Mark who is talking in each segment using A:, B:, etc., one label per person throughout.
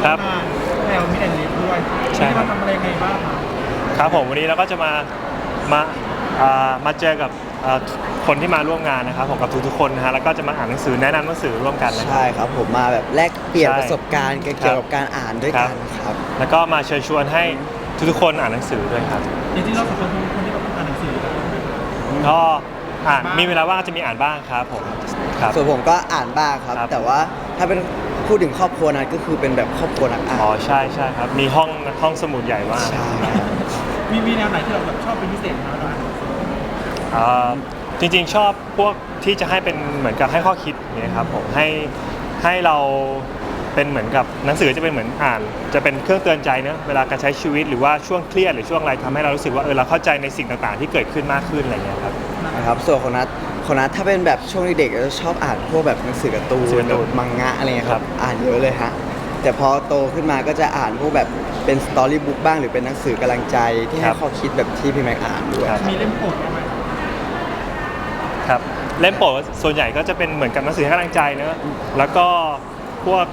A: ครับแนวมิดแอนด์ลิฟด้วยใช่ครับทำอะไรไงบ้าง
B: ครับผมวันนี้เราก็จะมามาเจอกับคนที่มาร่วมงานนะครับผมกับทุกๆคนนะฮะแล้วก็จะมาอ่านหนังสือแนะนำหนังสือร่วมกันนะ
C: ใช่ครับผมมาแบบแลกเปลี่ยน
B: ใช่
C: ประสบการณ์เกี่ยวกับการอ่านด้วยกันครับ
B: แล้วก็มาเชิญชวนให้ทุกๆคนอ่านหนังสือด้วยครับ
A: จริงๆเราสองคนคนที่แบบอ่านหนังสือ
B: ก็มีเวลาว่างจะมีอ่านบ้างครับผมครับ
C: ส่วนผมก็อ่านบ้างครับแต่ว่าถ้าเป็นพูดถึงครอบครัวนั้นก็คือเป็นแบบครอบครัวนักอ่าน
B: อ๋อใช่ครับมีห้องสมุดใหญ่มาก
C: ใช่
A: มีแนวไหนที่เราแบบชอบเป็นพิเศษไหมเราอ่าน
B: จริงๆชอบพวกที่จะให้เป็นเหมือนกับให้ข้อคิดอย่างนี้ครับผมให้เราเป็นเหมือนกับหนังสือจะเป็นเหมือนอ่านจะเป็นเครื่องเตือนใจเนอะเวลาการใช้ชีวิตหรือว่าช่วงเครียดหรือช่วงอะไรทำให้เรารู้สึกว่าเราเข้าใจในสิ่งต่างๆที่เกิดขึ้นมากขึ้นอะไรเงี้ยครับ
C: นะครับส่วนของนัทถ้าเป็นแบบช่วงเด็กๆจะชอบอ่านพวกแบบหนังสือการ์ตูนมังงะอะไรเงี้ยครับอ่านเยอะเลยฮะแต่พอโตขึ้นมาก็จะอ่านพวกแบบเป็นสตอรี่บุ๊กบ้างหรือเป็นหนังสือกำลังใจที่ให้ข้อคิดแบบที่พี่แม็กอ่านด้วย
A: มีเล่มโปรดไหม
B: ครับเล่มโปรดส่วนใหญ่ก็จะเป็นเหมือนกับหนังสือให้กำลังใจเนอะแล้วก็พวก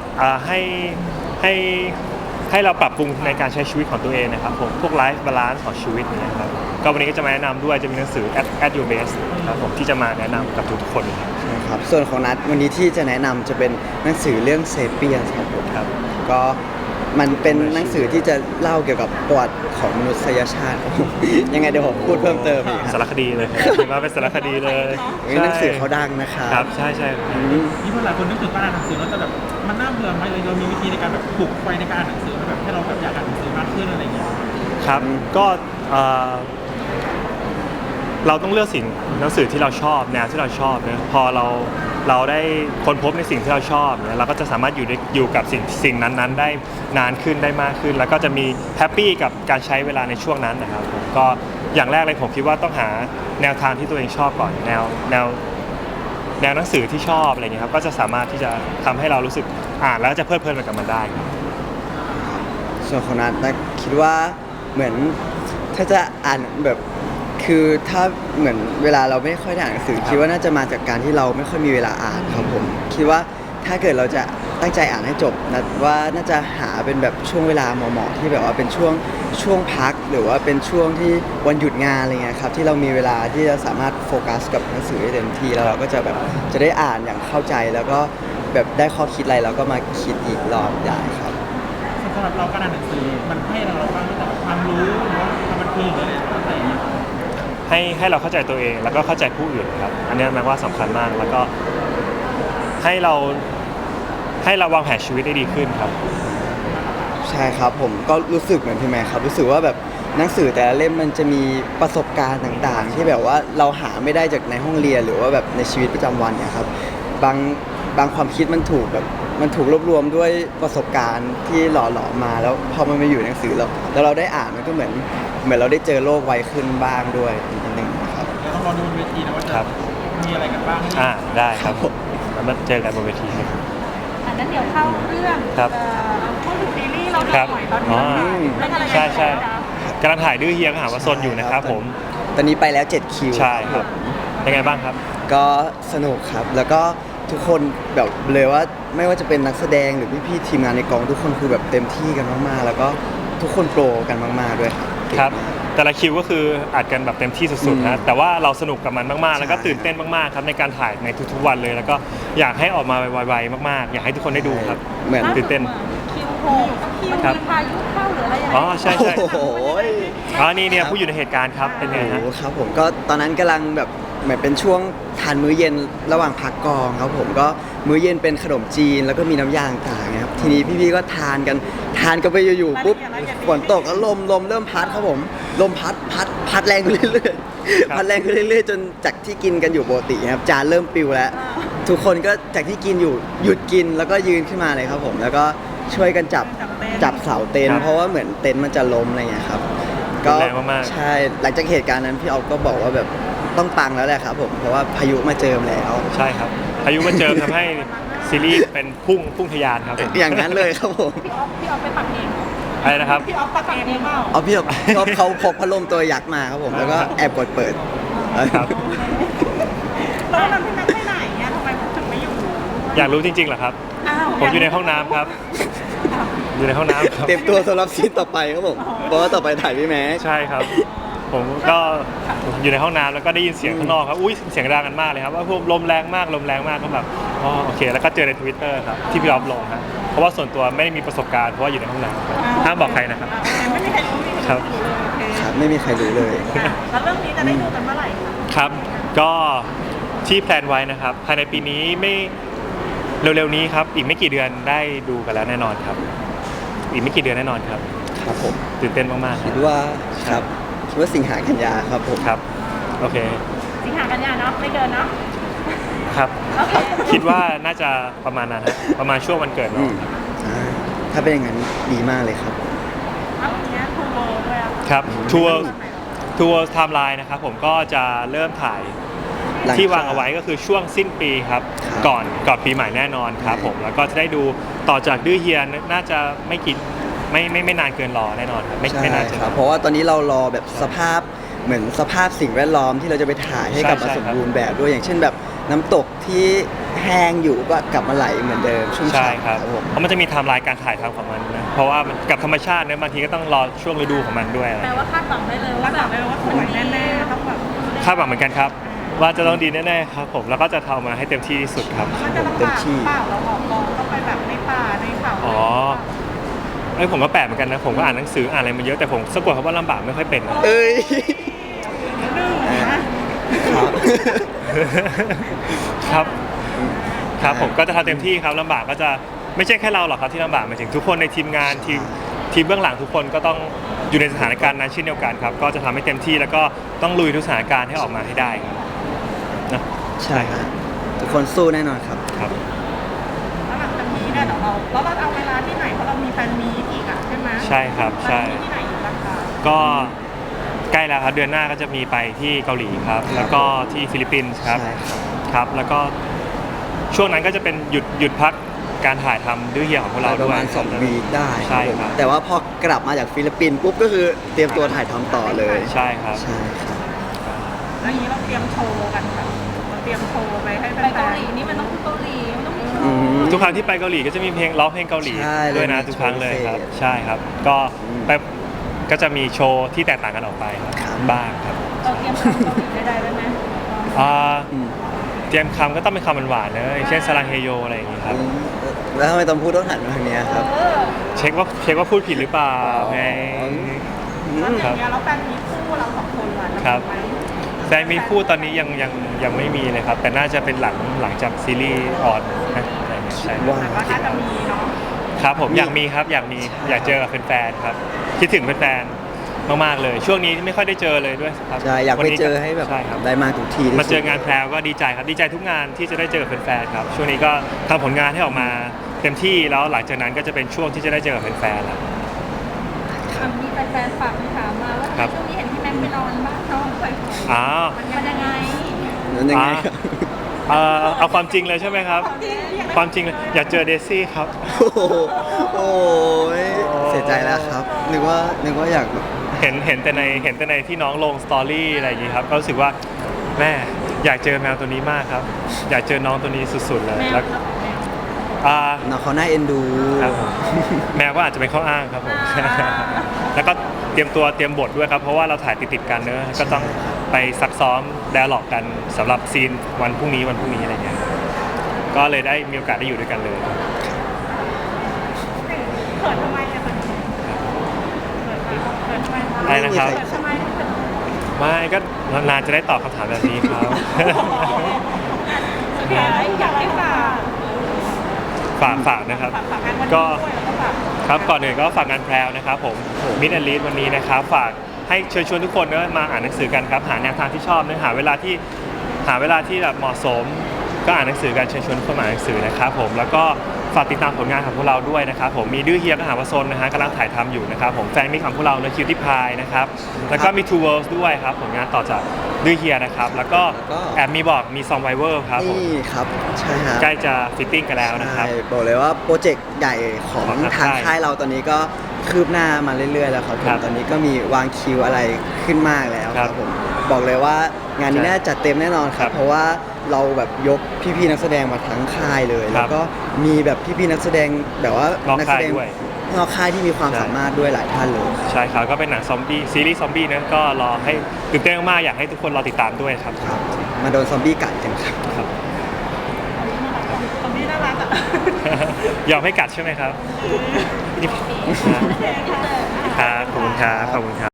B: ให้เราปรับปรุงในการใช้ชีวิตของตัวเองนะครับผมพวกไลฟ์บาลานซ์ของชีวิตนี้ครับก็วันนี้ก็จะมาแนะนำด้วยจะมีหนังสือ at your best ครับผมที่จะมาแนะนำกับทุกๆคน
C: ครับส่วนของนัทวันนี้ที่จะแนะนำจะเป็นหนังสือเรื่องเซเปียนครับผม
B: ครับ
C: ก็มันเป็นหนังสือที่จะเล่าเกี่ยวกับประวัติของมนุษยชาติครับผมยังไงเดี๋ยวผมพูดเพิ่มเติมอีก
B: สารคดีเลยมาเป็นสารคดีเลย
C: หนังสือเขาดังนะครับ
B: ใช่
A: นี่เพื่อนหลายคนนึกถึงการอ่านหนังสือแล้วจะแบบมันน่าเบื่อไหมเลยเรามีวิธีในการแบบปลุกไฟในการอ่านหนังสือแบบให้เราแบบอยากอ่านหนังสือมากขึ้นอะไรอย่างเงี้ย
B: ครับก็เราต้องเลือกหนังสือที่เราชอบแนวที่เราชอบนะพอเราได้ค้นพบในสิ่งที่เราชอบเนี่ยเราก็จะสามารถอยู่กับสิ่งนั้นๆได้นานขึ้นได้มากขึ้นแล้วก็จะมีแฮปปี้กับการใช้เวลาในช่วงนั้นนะครับผมก็อย่างแรกเลยผมคิดว่าต้องหาแนวทางที่ตัวเองชอบก่อนแนวหนังสือที่ชอบอะไรเงี้ยครับก็จะสามารถที่จะทำให้เรารู้สึกอ่านแล้วจะเพลิดเพลินไปกับมันได้ครับ
C: ส่วนของนัทคิดว่าเหมือนถ้าจะอ่านแบบคือถ้าเหมือนเวลาเราไม่ค่อยได้อ่านหนังสือคิดว่าน่าจะมาจากการที่เราไม่ค่อยมีเวลาอ่านครับผมคิดว่าถ้าเกิดเราจะตั้งใจอ่านให้จบนะว่าน่าจะหาเป็นแบบช่วงเวลาเหมาะๆที่แบบว่าเป็นช่วงพักหรือว่าเป็นช่วงที่วันหยุดงานอะไรเงี้ยครับที่เรามีเวลาที่จะสามารถโฟกัสกับหนังสือได้เต็มที่แล้วเราก็จะแบบจะได้อ่านอย่างเข้าใจแล้วก็แบบได้ข้อคิดอะไรเราก็มาคิดอีกรอบได้ครับ
A: สำหรับเราการอ่านหนังสือมันให้เราบ้างตั้งแต่ความรู้หรือว่าความบันเทิงหรืออะไรอย่างเงี้ย
B: ให้เราเข้าใจตัวเองแล้วก็เข้าใจผู้อื่นครับอันนี้แปลว่าสำคัญมากแล้วก็ให้เราวางแผนชีวิตได้ดีขึ้นครับ
C: ใช่ครับผมก็รู้สึกเหมือนพี่แม่ครับรู้สึกว่าแบบหนังสือแต่ละเล่มมันจะมีประสบการณ์ต่างๆที่แบบว่าเราหาไม่ได้จากในห้องเรียนหรือว่าแบบในชีวิตประจำวันเนี่ยครับบางความคิดมันถูกรวบรวมด้วยประสบการณ์ที่หล่อหลอมมาแล้วพอมันมาอยู่ในหนังสือแล้วเราได้อ่านมันก็เหมือนเราได้เจอโลกไวขึ้นบ้างด้วยนิดนึงนะครับ
A: เดี๋ยวต้องรอดูบนเวทีนะว่าจะมีอะไรกันบ้าง
B: ได้ครับแล้วมาเจอกันบนเวทีครับ
D: นั้นเดี๋ยวเข้าเรื่องเข้าถึงซีรีส์เราหน่อยตอนนี้
B: ใช่กำลังถ่ายดื้อเฮียก็หาว่าซนอยู่นะครับผม
C: ตอนนี้ไปแล้ว7คิว
B: ใช่ครับเป็นไงบ้างครับ
C: ก็สนุกครับแล้วก็ทุกคนแบบเลยว่าไม่ว่าจะเป็นนักแสดงหรือพี่ๆทีมงานในกองทุกคนคือแบบเต็มที่กันมากๆแล้วก็ทุกคนโปรกันมากๆด้วย
B: ครับแต่ละคิวก็คืออัดกันแบบเต็มที่สุดๆนะแต่ว่าเราสนุกกับมันมากๆแล้วก็ตื่นเต้นมากๆครับในการถ่ายในทุกๆวันเลยแล้วก็อยากให้ออกมาไวๆมากๆอยากให้ทุกคนได้ดูครับ
C: เหมือน
B: ตื่นเต้น
D: คิวโหคิวมีพายุเข้าหรืออะไรอย่างเงี้ย
B: ใช่
C: โอ้โห
B: นี่เนี่ยผู้อยู่ในเหตุการณ์ครับเป็นไงฮะ
C: ครับผมก็ตอนนั้นกำลังแบบเหมือนเป็นช่วงทานมื้อเย็นระหว่างพักกองครับผมก็มื้อเย็นเป็นขนมจีนแล้วก็มีน้ำยาต่างๆครับทีนี้พี่ๆก็ทานกันไปอยู่ๆปุ๊บฝนตกแล้วลมเริ่มพัดครับผมลมพัดแรงขึ้นเรื่อยๆพัดแรงขึ้นเรื่อยๆจนจากที่กินกันอยู่ปกติครับจานเริ่มปิวแล้วทุกคนก็จากที่กินอยู่หยุดกินแล้วก็ยืนขึ้นมาเลยครับผมแล้วก็ช่วยกันจับเสาเต็นท์เพราะว่าเหมือนเต็นท์มันจะล้มอะไรเงี้ยครับ
B: ก็ใ
C: ช่หลังจากเหตุการณ์นั้นพี่ออฟก็บอกว่าแบบต้องปังแล้วแหละครับผมเพราะว่าพายุมาเจิมแล้ว
B: ใช่ครับพายุมาเจิมทำให้ซีรีส์เป็นพุ่งทะยานครับ
C: อย่างนั้นเลยครับผม
D: พี่ออฟไปปักเอง
B: อะไรนะครับ
D: พี่ออฟปักเองเปล่า
C: พี่ออฟเขาพกพัดลมตัวยักษ์มาครับผมแล้วก็แอบกดเปิด
B: ครับ
D: แล้วนั้นพี่แม็กไปไหนเนี่ยทำไมถึงไม่อยู่
B: อยากรู้จริงๆเหรอครับผมอยู่ในห้องน้ำครับอยู่ในห้องน้ำครับ
C: เตรียมตัวสำหรับซีนต่อไปครับผมเพราะว่าต่อไปถ่ายพี่แม็ก
B: ใช่ครับ ผมก็อยู่ในห้องน้ำแล้วก็ได้ยินเสียงข้างนอกครับอุ้ยเสียงดังกันมากเลยครับว่าพวกลมแรงมากก็แบบอ๋อโอเค แล้วก็เจอใน Twitter ครับที่พี่ออฟลงครับเพราะว่าส่วนตัวไม่ได้มีประสบการณ์เพราะว่าอยู่ในห้องน้ำครับห้ามบอกใครนะครับ
D: ไม่มีใครรู้
B: ครับ
D: โอเค
C: ครับไม่มีใครรู้เลย
D: แล้วเรื่องนี้จะได้ดูกันเมื่อไหร่คะ
B: ครับก็ที่แพลนไว้นะครับภายในปีนี้ไม่เร็วๆนี้ครับอีกไม่กี่เดือนได้ดูกันแล้วแน่นอนครับ อีกไม่กี่เดือนแน่นอนครับ
C: ครับผม
B: ตื่นเต้นมากๆค
C: คิ
B: รับ
C: ดว่าครับคิดว่าสิงหากันยาครับผม
B: ครับโอเค
D: สิงหากันยาเนาะไม่เกินเนาะ
B: ครับ
D: โอเค
B: คิดว่าน่าจะประมาณนั้นฮะประมาณช่วงวันเกิด
C: อื
B: เรา
C: มถ้าเป็นอย่างนั้นดีมากเลยครับ
D: แล้วทีเนี้ยทูโบด้วยอะ
B: ครับทัวร์ไทม์ไลน์นะครับผมก็จะเริ่มถ่าย
C: หลัง
B: ที่วางเอาไว้ก็คือช่วงสิ้นปีครับ
C: ครับ
B: ก่อนปีใหม่แน่นอนครับผมแล้วก็จะได้ดูต่อจากดื้อเฮียน่าจะไม่นานเกินรอแน่นอนครับไม่
C: ใช่
B: ไม่นานเกิน
C: ค
B: ร
C: รับ
B: อ
C: เพราะว่าตอนนี้เรารอแบบสภาพเหมือนสภาพสิ่งแวดล้อมที่เราจะไปถ่ายให้กลับมา
B: ใช่
C: สมบูรณ์แบบด้วยอย่างเช่นแบบน้ำตกที่แห้งอยู่ก็กลับมาไหลเหมือนเดิมชุ่ม
B: ใช่
C: ฉ่ำ
B: ครับ
C: ผม
B: เพราะมันจะมีไทม์ไลน์การถ่ายทำของมันนะเพราะว่ามันกับธรรมชาติเนี่ยบางทีก็ต้องรอช่วงฤดูของมันด้วยอะไร
D: แปลว่าคาดหวังได้เลยว่าแบบสวยแน่ๆต้องแบบ
B: คาดหวังเหมือนกันครับ ว่าจะต้องดีแน่ๆครับผมแล้วก็จะทำมาให้เต็มที่ที่สุดครับ
D: มันจะลำบากเปล่าเราออกกองต้องไปแบบในป่าในเขา
B: อ๋อไอ้ยผมก็แปลกเหมือนกันนะผมก็อ่านหนังสืออ่านอะไรมาเยอะแต่ผมสะกดคำว่าลำบากไม่ค่อยเป็นนะ
C: เอ้ย
D: นึ่งนะ
C: ครับ
B: ครับครับผมก็จะทำเต็มที่ครับลำบากก็จะไม่ใช่แค่เราหรอกครับที่ลำบากหมายถึงทุกคนในทีมงานทีมเบื้องหลังทุกคนก็ต้องอยู่ในสถานการณ์นั้นเช่นเดียวกันครับก็จะทำให้เต็มที่แล้วก็ต้องลุยทุกสถานการณ์ให้ออกมาให้ได้ครับนะ
C: ใช่ครับทุกคนสู้แน่นอนครับ
B: ครับ
D: แล้วหลังจากนี้เนี่ยเดี๋ยวเราเอาเวลาที่ไหนเพราะเรามีแฟนมีตอีกอ่ะใช่ไหม
B: ใช่ครับใช่
D: แฟนมีตที่ไหนอีกบ้างคะ
B: ก็ใกล้แล้วครับเดือนหน้าก็จะมีไปที่เกาหลีครับ แล้วก็ที่ฟิลิปปินส์ครับ
C: ใช่ครับ
B: ครับแล้วก็ช่วงนั้นก็จะเป็นหยุดพักการถ่ายทำดื้อเฮียของพวกเรา
C: ป
B: ด้
C: ระ
B: วย
C: มาณ2 วีคได้
B: ใช่
C: ผม
B: ครับ
C: แต่ว่าพอกลับมาจากฟิลิปปินส์ปุ๊บก็คือเตรียมตัวถ่ายทำต่อเลย
B: ใช่ครับ
C: ใช่ครับ
D: แล้วอย่างนี้เราเตรียมโชว์กันแบบเราเตรียมโชว์ไปให้แฟนๆไปเกาหลีนี่มันต้องเกาหลีมันต้องมีโช
C: อื
D: ว์
C: ม
B: ทุกครั้งที่ไปเกาหลีก็จะมีเพลงร้องเพลงเกาหลี
C: ใช่
B: ด้วยนะ
C: เลยมี
B: ทุกครั้งเลยครับ
C: โชว์พิเศษ
B: ใช่ครับ ก็
C: อืม
B: ไปก็จะมีโชว์ที่แตกต่างกันออกไปครับ
C: ครับ
B: บ้างครับ
D: เราเตรียมคำเกาหลีได้ไหม
B: อ่า
C: อืม
B: เตรียมคำก็ต้องเป็นคำหวานๆนะอย่างเช่นสลังเฮโยอะไรอย่างงี้ครับ
C: แล้วทำไมต้องพูดต้องหันมาทางเนี้ยครับ
B: เช็คว่าพูดผิดหรือเปล่าไง
D: แล้วอย่างเงี้ยแล้วแฟนมีคู่เราสองคนล่ะ
B: ครับ แฟนมีคู่ตอนนี้ยังไม่มีเลยครับ แต่น่าจะเป็นหลังจากซีรีส์ออนนะอะไรอย่างเงี้ยใช่
C: ว้าว
D: แต่ว่าถ้าจะมีเนาะ
B: ครับผมอยากมีครับอยากเจอกับแฟนๆครับคิดถึงแฟนๆมากๆเลย ช่วงนี้ไม่ค่อยได้เจอเลยด้วยครับ
C: ใช่อยากไป
B: วันนี้
C: เจอให้แบบ
B: ใช่ครับ
C: ได้มาทุกทีที่สุด
B: มาเจองานแพรวก็ดีใจครับดีใจทุกงานที่จะได้เจอกับแฟนๆครับช่วงนี้ก็ทำผลงานให้ออกมาเต็มที่แล้วหลังจากนั้นก็จะเป็นช่วงที่จะได้เจอกับแฟนๆแล้ว
D: มีแฟนๆฝากคำถามมาว่า
B: ครับ
D: ช่วงนี้เห็นพี่แม็กซ์ไปนอนบ้านเขาบ่อย
B: อ๋อ
D: ๆมันยังไง
C: นั้นยังไงครับ
B: เอาความจริงเลยใช่ไหมครับ ความจริงเลยอยากเจอเดซี่ครับ
C: โอ้โหโอ้ยเสียใจแล้วครับ นึกว่าอยากแบบ
B: เห็นแต่ในที่น้องลงสตอรี่อะไรอย่างงี้ครับก็รู้สึกว่าแม่อยากเจอแมวตัวนี้มากครับ อยากเจอน้องตัวนี้สุดๆเลย
D: แมว
B: แล้ว
D: ครับแมว
B: อ่า
C: น้องเขาน่าเอ็นดู
B: ครับผมแมวก็อาจจะเป็นข้ออ้างครับผม
D: อ่า
B: แล้วก็เตรียมบทด้วยครับเพราะว่าเราถ่ายติดๆกันเนอะก็ต้องไปซักซ้อมไดอะล็อกกันสำหรับซีนวันพรุ่งนี้อะไรเงี้ยก็เลยได้มีโอกาสได้อยู่ด้วยกันเลย
D: เขินทำไมเนี่ยเขินทำไม
B: อะไรนะครับ
D: เขินทำไมเขิน
B: ไม่ก็นานๆจะได้ตอบคำถามแบบนี้ครับ
D: โอเคอยากให้ฝาก
B: นะครับ
D: ฝากงานวันนี้
B: ก็
D: ด้วยแล้วก็ฝาก
B: ครับก่อนอื่นก็ฝากงานแพรวนะครับผมมิดแอนลีดวันนี้นะครับฝากให้เชิญชวนทุกคนมาอ่านหนังสือกันครับหาแนวทางที่ชอบเนื้อหาเวลาที่แบบเหมาะสม ก็อ่านหนังสือกันเชิญชวนทุกคนมาอ่านหนังสือนะครับผมแล้วก็ฝากติดตามผลงานของพวกเราด้วยนะครับผมมีดื้อเฮียก็หาว่าซนนะฮะกำลังถ่ายทำอยู่นะครับผมแฟนมิตรของพวกเราเนคิวที่พายนะครับแล้วก็มี Two Worlds ด้วยครับผลงานต่อจากดื้อเฮียนะครับแล้วก็แอบมีซองไวเวอร์ครับผม
C: นี่ครับใช่ครับ
B: ใกล้จะฟิตติ้งกันแล้วนะครับ
C: ใช่บอกเลยว่าโปรเจกต์ใหญ่ของ
B: ของทาง
C: ทาง
B: ค่าย
C: ค่ายเราตอนนี้ก็คืบหน้ามาเรื่อยๆแล้วครับผ
B: ครั
C: ม
B: บ
C: ตอนนี้ก็มีวางคิวอะไรขึ้นมากแล้ว
B: ค
C: ค
B: รั
C: รั
B: บบ
C: ผมบอกเลยว่างานนี้
B: ใช่
C: น่าจัดเต็มแน่นอนค
B: ครั
C: รับ
B: บ
C: เพราะว่าเราแบบยกพี่ๆนักแสดงมาทั้งค่ายเลย
B: ครั
C: แล้
B: บ
C: วก็มีแบบพี่ๆนักแสดงแบบว่าน
B: อก
C: นัแส
B: ค่าย
C: ดง
B: ด้วย
C: นอกค่ายที่มีความ
B: ใช่
C: สามารถด้วยหลายท่านเลย
B: ใช่ครับก็เป็นหนังซอมบี้ซีรีส์ซอมบี้นะก็รอให้ตื่นเต้นมากๆอยากให้ทุกคนรอติดตามด้วยครับ
C: ครับมาโดนซอมบี้กัดกันครับ
B: ครับ
D: ตอนนี้น่ารักอ่ะ
B: ยอมให้กัดใช่ไหมครับ
D: โอเคค่ะ
B: ครับขอบคุณครับขอบคุณครับ